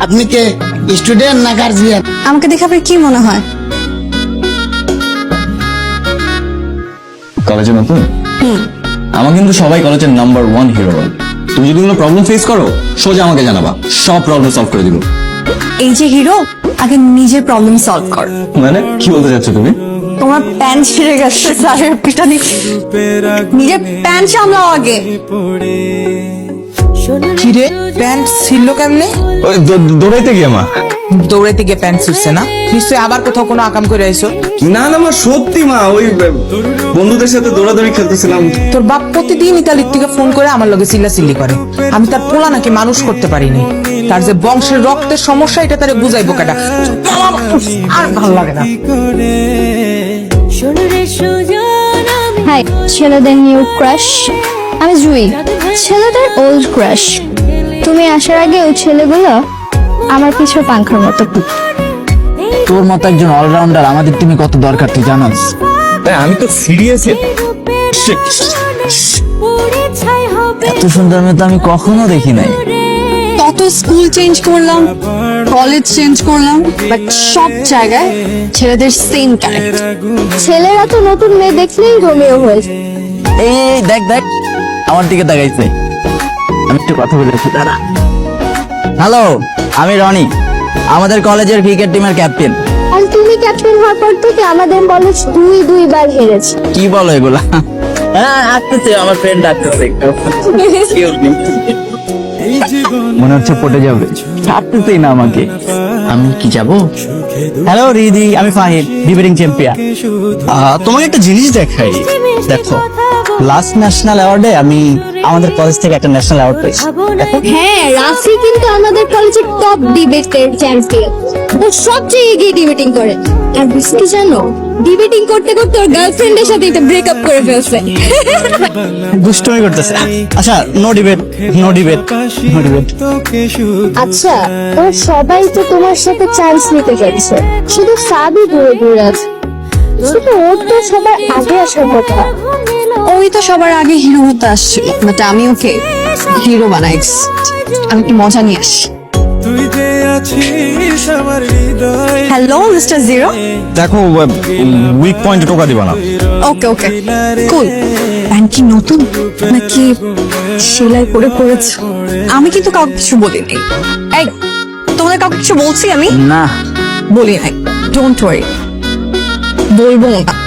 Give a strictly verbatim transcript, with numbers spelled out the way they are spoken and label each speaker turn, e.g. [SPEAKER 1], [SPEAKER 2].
[SPEAKER 1] আপনি কে স্টুডেন্ট না গার্জিয়ান?
[SPEAKER 2] আমাকে দেখে আপনার কি মনে হয়?
[SPEAKER 3] কলেজে নতুন? আমার কিন্তু সবাই কলেজের নাম্বার ওয়ান হিরো। তুমি যদি কোনো প্রবলেম ফেস করো সোজা আমাকে জানাবা, সব প্রবলেম সলভ করে দিব।
[SPEAKER 2] এই যে হিরো, আগে নিজের প্রবলেম সলভ কর।
[SPEAKER 3] মানে কি বলতে চাচ্ছ তুমি?
[SPEAKER 2] তোমার প্যান্ট ছিঁড়ে গেছে, স্যারের পিটানি। নিজের প্যান্ট সামলাও আগে।
[SPEAKER 4] কিরে প্যান্ট ছিল কেমনে?
[SPEAKER 3] ওই দৌড়াইতে গিয়ে মা।
[SPEAKER 4] দৌড়াইতে গিয়ে প্যান্ট ছিঁড়ছে না? নিশ্চয়ই আবার কোথাও কোনো আকাম করে আইছো।
[SPEAKER 3] না না মা, সত্যি মা, ওই বন্ধুদের সাথে দৌড়াদৌড়ি খেলতেছিলাম।
[SPEAKER 4] তোর বাপ প্রতিদিন ইতালির থেকে ফোন করে আমার লগে চিল্লাচিল্লি করে। আমি তার পোলা নাকি মানুষ করতে পারিনি। তার যে বংশের রক্তের সমস্যা এটা তারে বুঝাইবো কেটা। আর ভালো লাগে না।
[SPEAKER 5] হাই, ছেলেদের নিউ ক্রাশ আমি জুই, ছেলেদের ওল্ড ক্রাশ। তুমি আসার আগে ওই ছেলেগুলো আমার পিছু পাংখার মতো।
[SPEAKER 6] তোর মতো একজন অলরাউন্ডার আমাদের টিমে কত দরকার তুই জানোস?
[SPEAKER 3] আমি তো সিরিয়াস।
[SPEAKER 6] এত সুন্দর মেয়ে তো আমি কখনো দেখি নাই।
[SPEAKER 2] কত স্কুল চেঞ্জ করলাম, কলেজ চেঞ্জ করলাম, বাট সব জায়গায় ছেলেদের সেম ক্যারেক্টার।
[SPEAKER 5] ছেলেরা তো নতুন মেয়ে দেখলেই রোমিও হয়েছে।
[SPEAKER 6] এই এই, দেখ দেখ আমার দিকে তাকাইছে। আমি একটু কথা বলেছি, দাঁড়া। হ্যালো, আমি রনি, আমাদের কলেজের ক্রিকেট টিমের ক্যাপ্টেন।
[SPEAKER 5] আর তুমি ক্যাপ্টেন হওয়ার পর থেকে আমাদের কলেজ দুই দুইবার হেরেছে।
[SPEAKER 6] কি বলো এগুলা? হ্যাঁ আসতেছে, আমার ফ্রেন্ড ডাকতেছে একটু। মনে হচ্ছে পটে যাবে, ছাড়তেছেই না আমাকে। আমি কি যাব? হ্যালো রিদি, আমি ফাহিম, ডিবেটিং চ্যাম্পিয়ন। তোমাকে একটা জিনিস দেখাই, দেখো। লাস্ট ন্যাশনাল অ্যাওয়ার্ডে আমি আমাদের কলেজ থেকে একটা ন্যাশনাল অ্যাওয়ার্ড পেয়েছি।
[SPEAKER 5] হ্যাঁ, রাফি কিন্তু আমাদের কলেজের টপ ডিবেটের চ্যাম্পিয়ন। ও সবচেয়ে এগিয়ে ডিবেটিং করে। আর বুঝতে জানো, ডিবেটিং করতে করতে ওর গার্লফ্রেন্ডের সাথে এটা ব্রেকআপ করে ফেলছে।
[SPEAKER 6] দুষ্টুমি করতেছে। আচ্ছা, no debate, no debate, no debate.
[SPEAKER 5] আচ্ছা, ওরা সবাই তো তোমার সাথে চান্স নিতে যাচ্ছে, শুধু সাবি দূরে দূরে আছে। শুধু ওর তো সবার আগে আসার কথা।
[SPEAKER 2] ওই তো সবার আগে হিরো হতে আসছিল, বাট আমি ওকে হিরো বানাই। আমি কি মজা নিয়ে আসি। হ্যালো মিস্টার জিরো,
[SPEAKER 3] দেখো, উইক পয়েন্টে টোকা দিবা না।
[SPEAKER 2] ওকে ওকে কুল। প্যান্ট কি নতুন নাকি সেলাই করে পরেছো? আমি কিন্তু কাউকে কিছু বলিনি। এই, তোমাদের কাউকে কিছু বলছি আমি?
[SPEAKER 6] না
[SPEAKER 2] বলি নাই। ডোন্ট ওয়ারি, বলবো না।